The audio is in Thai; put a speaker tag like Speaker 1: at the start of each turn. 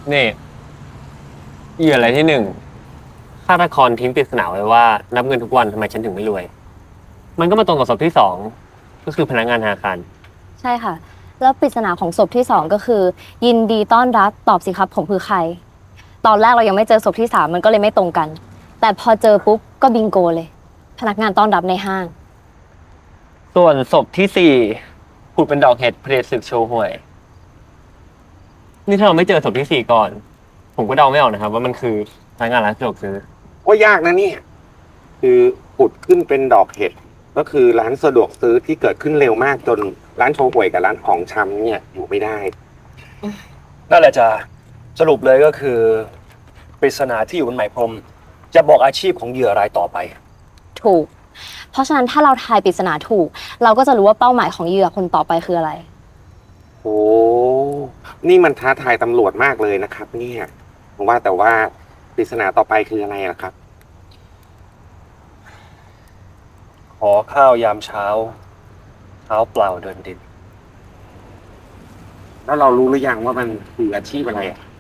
Speaker 1: นี่เหยื่ออะไรที่หนึ่งฆาตกรทิ้งปริศนาไว้ว่านับเงินทุกวันทำไมฉันถึงไม่รวย มันก็มาตรงกับศพที่สองก็คือพนักงานธนาคาร
Speaker 2: ใช่ค่ะ แล้วปริศนาของศพที่2ก็คือยินดีต้อนรับตอบสิครับผมคือใครตอนแรกเรายังไม่เจอศพที่3มันก็เลยไม่ตรงกัน แต่พอเจอปุ๊บก็บิงโกเลยพนักงานต้อนรับในห้าง
Speaker 1: ส่วนศพที่สี่ผุดเป็นดอกเห็ดเพลศึกโชว์หวย นี่ถ้าเราไม่เจอศพที่สี่ก่อน ผมก็เดาไม่ออกนะครับว่ามันคือพนักงานร้านสะดวกซื้อ
Speaker 3: ก็ยากนะเนี่ยคือผุดขึ้นเป็นดอกเห็ดก็คือร้านสะดวกซื้อที่เกิดขึ้นเร็วมากจนร้านโชห่วยกับร้านของชำเนี่ยอยู่ไม่ได้
Speaker 4: นั่นแหละจ้ะสรุปเลยก็คือปริศนาที่อยู่บนไหมพรมจะบอกอาชีพของเหยื่อรายต่อไป
Speaker 2: ถูก เพราะฉะนั้นถ้าเราทายปริศนาถูก เราก็จะรู้ว่าเป้าหมายของเหยื่อคนต่อไปคืออะไร
Speaker 3: โอ้นี่มันท้าทายตำรวจมากเลยนะครับเนี่ยว่าแต่ว่าปริศนาต่อไปคืออะไรล่ะครับ
Speaker 4: ขอข้าวยามเช้าเท้าเปล่าเดินดิน
Speaker 3: แล้วเรารู้หรือยังว่ามันคืออาชีพอะไรอ่ะ